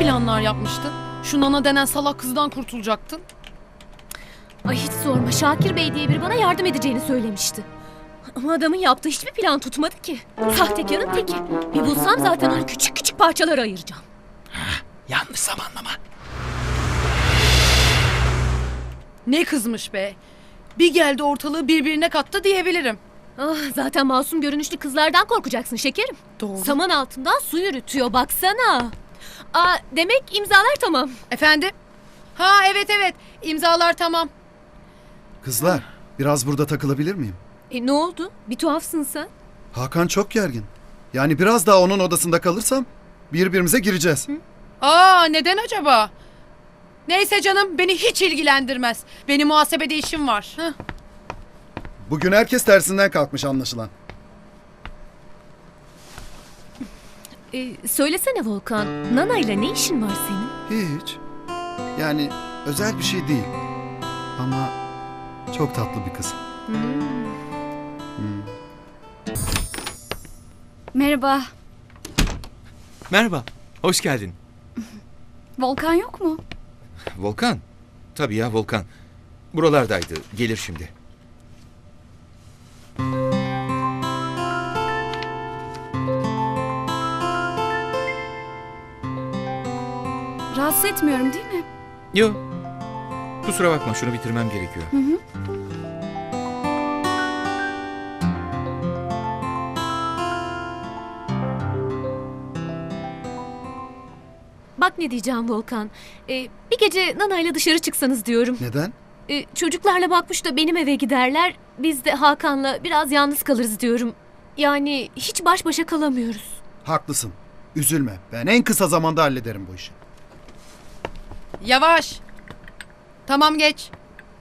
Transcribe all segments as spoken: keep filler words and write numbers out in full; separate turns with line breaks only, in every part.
planlar yapmıştın? Şu Nana denen salak kızdan kurtulacaktın.
Ay hiç sorma, Şakir Bey diye biri bana yardım edeceğini söylemişti. Ama adamın yaptığı hiçbir plan tutmadı ki. Sahtekarın teki. Bir bulsam zaten onu küçük küçük parçalara ayıracağım.
Yanlış zamanlama.
Ne kızmış be. Bir geldi ortalığı birbirine kattı diyebilirim.
Ah, zaten masum görünüşlü kızlardan korkacaksın şekerim.
Doğru.
Saman altından su yürütüyor baksana. Aa, demek imzalar tamam.
Efendim? Ha evet evet. İmzalar tamam.
Kızlar, biraz burada takılabilir miyim?
E ne oldu? Bir tuhafsın sen.
Hakan çok gergin. Yani biraz daha onun odasında kalırsam birbirimize gireceğiz.
Aa neden acaba? Neyse canım, beni hiç ilgilendirmez. Benim muhasebede işim var. Heh.
Bugün herkes tersinden kalkmış anlaşılan.
E, söylesene Volkan, Nana ile ne işin var senin?
Hiç. Yani özel bir şey değil. Ama çok tatlı bir kız.
Merhaba.
Merhaba, hoş geldin.
Volkan yok mu?
Volkan? Tabii ya Volkan. Buralardaydı, gelir şimdi.
Rahatsız etmiyorum değil mi?
Yok. Kusura bakma, şunu bitirmem gerekiyor.
Hı hı.
Bak ne diyeceğim Volkan. E, bir gece Nana ile dışarı çıksanız diyorum.
Neden?
E, çocuklarla bakmış da benim eve giderler. Biz de Hakan'la biraz yalnız kalırız diyorum. Yani hiç baş başa kalamıyoruz.
Haklısın. Üzülme. Ben en kısa zamanda hallederim bu işi.
Yavaş. Tamam geç.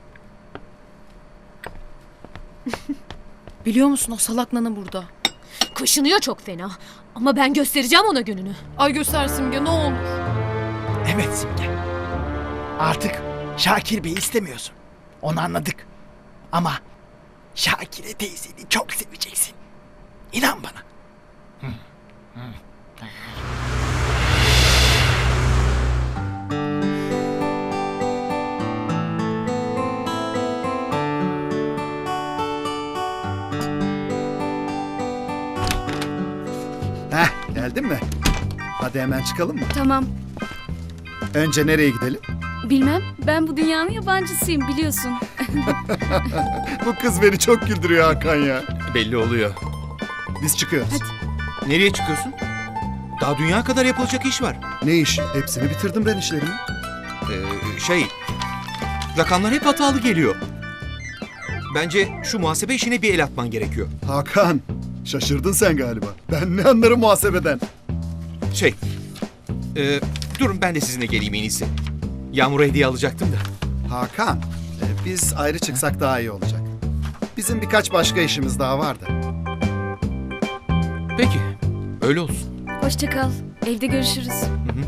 Biliyor musun o salak Nana burada.
Kaşınıyor çok fena. Ama ben göstereceğim ona gününü.
Ay göster Simge ne olur.
Evet Simge. Artık Şakir Bey'i istemiyorsun. Onu anladık. Ama Şakire teyzeni çok seveceksin. İnan bana.
Heh, geldin mi? Hadi hemen çıkalım mı?
Tamam.
Önce nereye gidelim?
Bilmem. Ben bu dünyanın yabancısıyım biliyorsun.
Bu kız beni çok güldürüyor Hakan ya.
Belli oluyor.
Biz çıkıyoruz.
Nereye çıkıyorsun? Daha dünya kadar yapılacak iş var.
Ne iş? Hepsini bitirdim ben işlerimi.
Ee, şey... Rakamlar hep hatalı geliyor. Bence şu muhasebe işine bir el atman gerekiyor.
Hakan, şaşırdın sen galiba. Ben ne anlarım muhasebeden.
Şey... E, durun ben de sizinle geleyim en iyisi. Yağmur'a hediye alacaktım da.
Hakan, e, biz ayrı çıksak daha iyi olacak. Bizim birkaç başka işimiz daha vardı.
Peki, öyle olsun.
Hoşça kal. Evde görüşürüz.
Hı hı.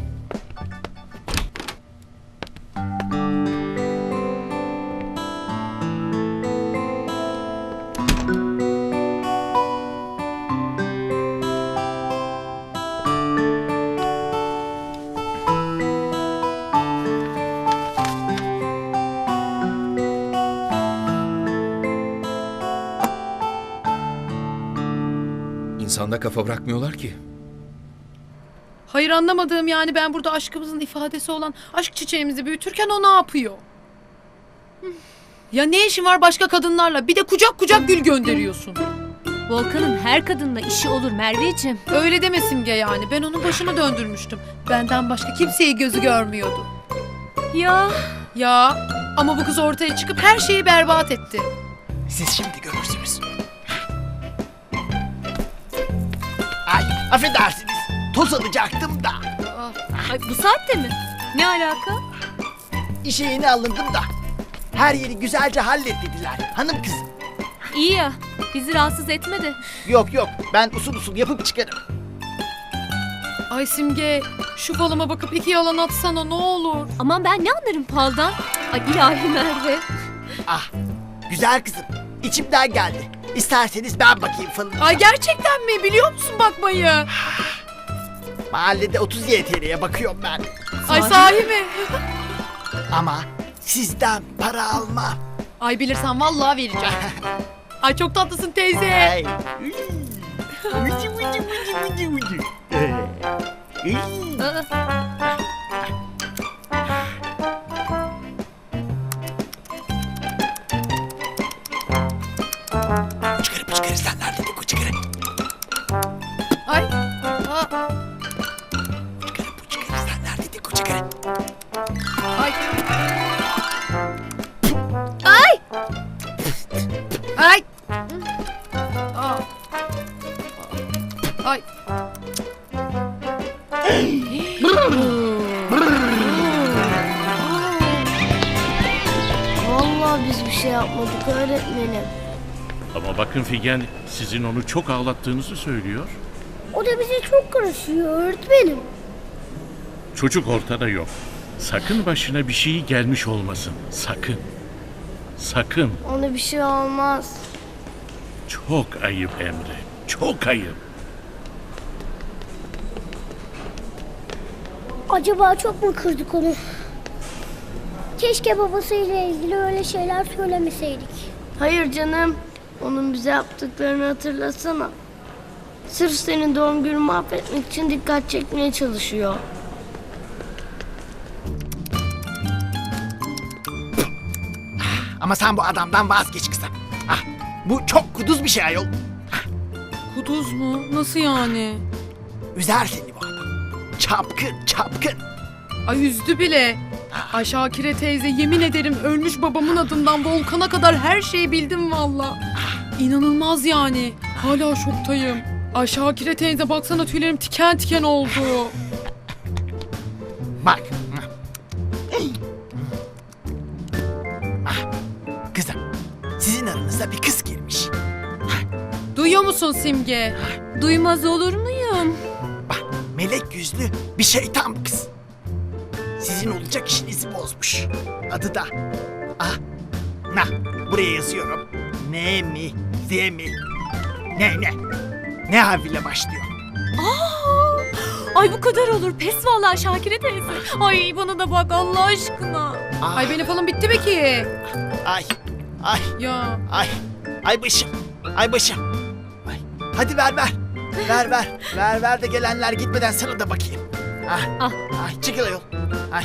İnsanda kafa bırakmıyorlar ki.
Hayır anlamadığım yani ben burada aşkımızın ifadesi olan aşk çiçeğimizi büyütürken o ne yapıyor? Ya ne işin var başka kadınlarla? Bir de kucak kucak gül gönderiyorsun.
Volkan'ın her kadınla işi olur Merveciğim.
Öyle deme Simge yani. Ben onun başını döndürmüştüm. Benden başka kimseyi gözü görmüyordu.
Ya
Ya ama bu kız ortaya çıkıp her şeyi berbat etti.
Siz şimdi görürsünüz. Ay affedersiniz. Toz alacaktım da.
ay, bu saatte mi? Ne alaka?
İşe yeni alındım da. Her yeri güzelce hallet dediler. Hanım kız.
İyi ya, bizi rahatsız etme de.
Yok yok ben usul usul yapıp çıkarım.
Ay Simge şu falıma bakıp iki yalan atsana ne olur.
Aman ben ne anlarım faldan? Ay ilahi Merve.
Ah güzel kızım. İçimden geldi. İsterseniz ben bakayım falınıza.
Ay gerçekten mi? Biliyor musun bakmayı?
Mahallede otuz Y T L'ye bakıyorum ben.
Ay sahi mi?
Ama sizden para almam.
Ay bilirsen vallahi vereceğim. Ay çok tatlısın teyze.
Ay. Ucu, ucu, ucu, ucu, ucu. Ee, iyi. Çıkarı çıkarı sen nerede bu çıkarı?
Ay. Aa,
Çıkarı bu çıkarı sen nerede bu çıkarı?
ay. Ay. Ay. Aa. Ay.
Vallahi biz bir şey yapmadık öğretmenim.
Ama bakın Figen, sizin onu çok ağlattığınızı söylüyor.
O da bize çok karışıyor öğretmenim.
Çocuk ortada yok. Sakın başına bir şey gelmiş olmasın. Sakın. Sakın.
Ona bir şey olmaz.
Çok ayıp Emre. Çok ayıp.
Acaba çok mu kırdık onu? Keşke babasıyla ilgili öyle şeyler söylemeseydik. Hayır canım. Onun bize yaptıklarını hatırlasana. Sırf senin doğum gününü mahvetmek için dikkat çekmeye çalışıyor.
Ama sen bu adamdan vazgeç kızım. Ah, bu çok kuduz bir şey ayol.
Kuduz mu? Nasıl yani?
Üzer seni bu adam. Çapkın çapkın.
Ay üzdü bile. Ay Şakire teyze yemin ederim ölmüş babamın adından Volkan'a kadar her şeyi bildim valla. İnanılmaz yani. Hala şoktayım. Ay Şakire teyze baksana tüylerim tiken tiken oldu.
Bak. Ah, kızım, sizin aranıza bir kız girmiş.
Duyuyor musun Simge? Duymaz olur muyum?
Bak, melek yüzlü bir şeytan bu kız. Sizin olacak işinizi bozmuş. Adı da... Ah, nah, buraya yazıyorum. Ne mi, Z mi? Ne, ne? Ne harfiyle başlıyor?
Ay bu kadar olur. Pes vallahi Şakire teyze. Ay bana da bak Allah aşkına.
Ah,
Ay benim falan bitti mi ki?
Ay, ay,
Ya
ay, ay başım, ay başım. Ay, hadi ver ver, ver ver, ver ver de gelenler gitmeden sana da bakayım. Ah,
Ah.
ay çıkıl ayol. Ay.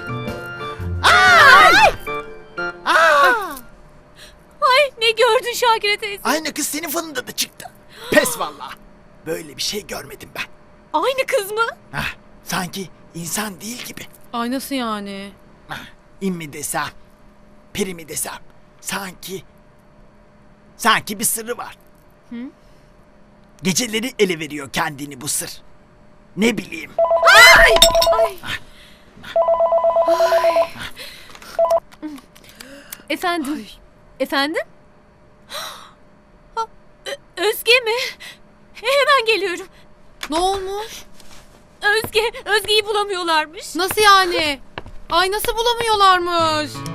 Ay! Ay!
Ay ne gördün Şakire teyze?
Aynı kız senin falında da çıktı. Pes vallahi. Böyle bir şey görmedim ben.
Aynı kız mı?
Ah, sanki insan değil gibi.
ay nasıl yani?
Ah, in mi desem, peri mi desem. Sanki, sanki bir sırrı var. Geceleri ele veriyor kendini bu sır. Ne bileyim.
Efendim? Efendim? Ha, Ö- Özge mi? Hemen geliyorum.
Ne olmuş?
Özge, Özge'yi bulamıyorlarmış.
Nasıl yani? Ay nasıl bulamıyorlarmış?